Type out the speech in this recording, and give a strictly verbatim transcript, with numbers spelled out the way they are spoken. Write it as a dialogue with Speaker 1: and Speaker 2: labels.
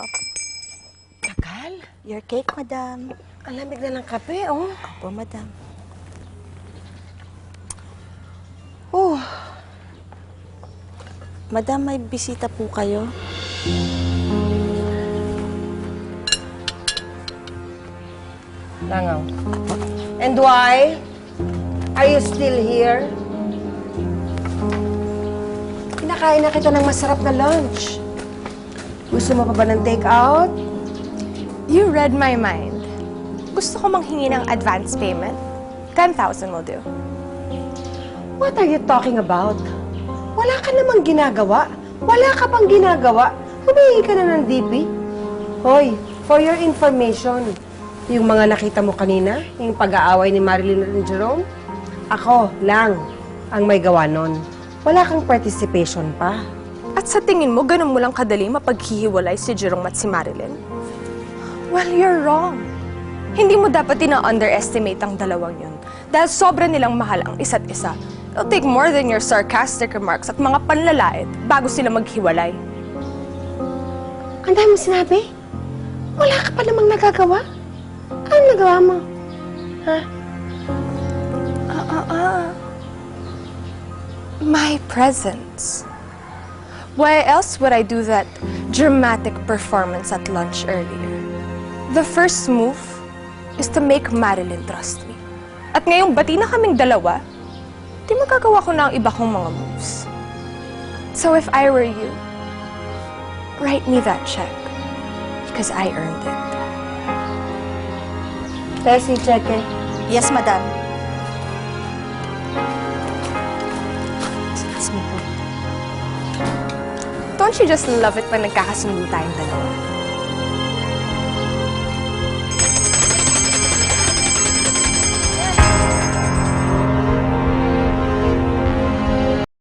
Speaker 1: Tagal?
Speaker 2: Your cake, madam.
Speaker 1: Ang lamig na ng kape, oh.
Speaker 2: Opo, madam.
Speaker 1: Oh,
Speaker 2: Madam, may bisita po kayo.
Speaker 1: langaw. And why? Are you still here? Kinakain na kita ng masarap na lunch. Gusto mo pa ba ng take-out?
Speaker 3: You read my mind. Gusto ko manghingi ng advance payment. ten thousand will do.
Speaker 1: What are you talking about? Wala ka namang ginagawa. Wala ka pang ginagawa. Humingi ka na ng D P. Hoy, for your information, yung mga nakita mo kanina, yung pag-aaway ni Marilyn at Jerome, ako lang ang may gawa nun. Wala kang participation pa.
Speaker 3: At sa tingin mo, ganun mo lang kadali mapaghihiwalay si Jerome at si Marilyn? Well, you're wrong. Hindi mo dapat ina-underestimate ang dalawang yun. Dahil sobra nilang mahal ang isa't isa. It'll take more than your sarcastic remarks at mga panlalait bago sila maghiwalay.
Speaker 1: Ang dami mo sinabi? Wala ka pa namang nagagawa? Anong nagawa mo? Ha?
Speaker 3: Ah, ah, ah. My presence. Why else would I do that dramatic performance at lunch earlier? The first move is to make Marilyn trust me. At ngayong bati na kaming dalawa, di magagawa ko na ang iba kong mga moves. So if I were you, write me that check. Because I earned it.
Speaker 1: Tessie, check eh.
Speaker 2: Yes, madam.
Speaker 3: Don't you just love it pag nagkakasundo tayong dalawa?